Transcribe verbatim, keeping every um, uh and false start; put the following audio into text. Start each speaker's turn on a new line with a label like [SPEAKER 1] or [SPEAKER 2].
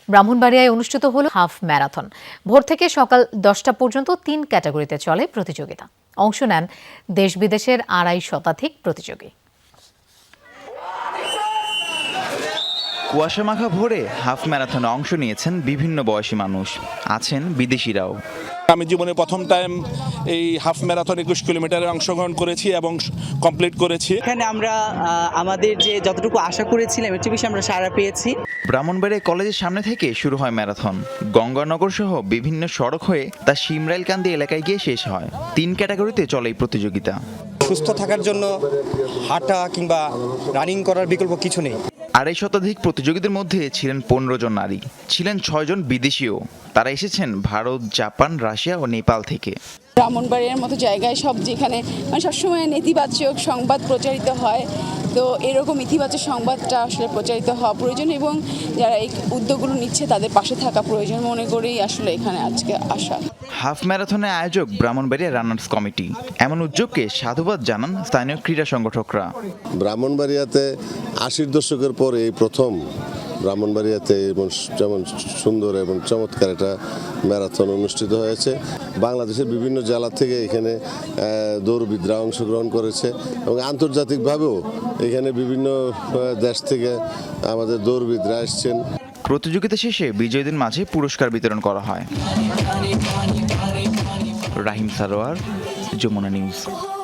[SPEAKER 1] ব্রাহ্মণবাড়িয়ায় অনুষ্ঠিত হল half marathon. ভোর থেকে সকাল দশটা পর্যন্ত তিন ক্যাটাগরিতে চলে প্রতিযোগিতা। অংশ নেন দেশ বিদেশের আড়াই শতাধিক প্রতিযোগী।
[SPEAKER 2] কুয়াশামাখা ভোরে হাফ ম্যারাথনে অংশ নিয়েছেন বিভিন্ন বয়সী মানুষ, আছেন বিদেশিরাও।
[SPEAKER 3] আমি জীবনে প্রথম টাইম এই হাফ ম্যারাথন একুশ কিলোমিটারে অংশগ্রহণ করেছি এবং কমপ্লিট করেছি।
[SPEAKER 4] এখানে আমরা আমাদের যে যতটুকু আশা করেছিলাম এর চেয়ে বেশি আমরা সাড়া পেয়েছি।
[SPEAKER 2] ব্রাহ্মণবাড়িয়া কলেজের সামনে থেকে শুরু হয় ম্যারাথন। গঙ্গানগর সহ বিভিন্ন সড়ক হয়ে তা শিমরাইলকান্দি এলাকায় গিয়ে শেষ হয়। তিন ক্যাটাগরিতে চলে এই প্রতিযোগিতা।
[SPEAKER 5] সুস্থ থাকার জন্য হাঁটা কিংবা রানিং করার বিকল্প কিছু নেই।
[SPEAKER 2] আড়াই শতাধিক প্রতিযোগীদের মধ্যে ছিলেন পনেরো জন নারী, ছিলেন ছয় জন বিদেশিও। তারা এসেছেন ভারত, জাপান, রাশিয়া ও নেপাল থেকে।
[SPEAKER 6] ব্রাহ্মণবাড়িয়ার মতো জায়গায় সব যেখানে মানে সবসময় নেতিবাচক সংবাদ প্রচারিত হয়, তো এরকম ইতিবাচক সংবাদটা আসলে প্রচারিত হওয়া প্রয়োজন এবং যারা এই উদ্যোগগুলো নিচ্ছে তাদের পাশে থাকা প্রয়োজন মনে করেই আসলে এখানে আজকে আসা।
[SPEAKER 2] হাফ ম্যারাথনের আয়োজক ব্রাহ্মণবাড়িয়া রানার্স কমিটি। এমন উদ্যোগকে সাধুবাদ জানান স্থানীয় ক্রীড়া সংগঠকরা।
[SPEAKER 7] ব্রাহ্মণবাড়িয়াতে আশির দশকের পরে এই প্রথম ব্রাহ্মণবাড়িয়াতে যেমন সুন্দর এবং চমৎকার একটা ম্যারাথন অনুষ্ঠিত হয়েছে। বাংলাদেশের বিভিন্ন জেলা থেকে এখানে দৌড়বিদরা অংশগ্রহণ করেছে এবং আন্তর্জাতিকভাবেও এখানে বিভিন্ন দেশ থেকে আমাদের দৌড়বিদরা এসছেন।
[SPEAKER 2] প্রতিযোগিতা শেষে বিজয়ীদের মাঝে পুরস্কার বিতরণ করা হয়। রাহিম সারোয়ার, যমুনা নিউজ।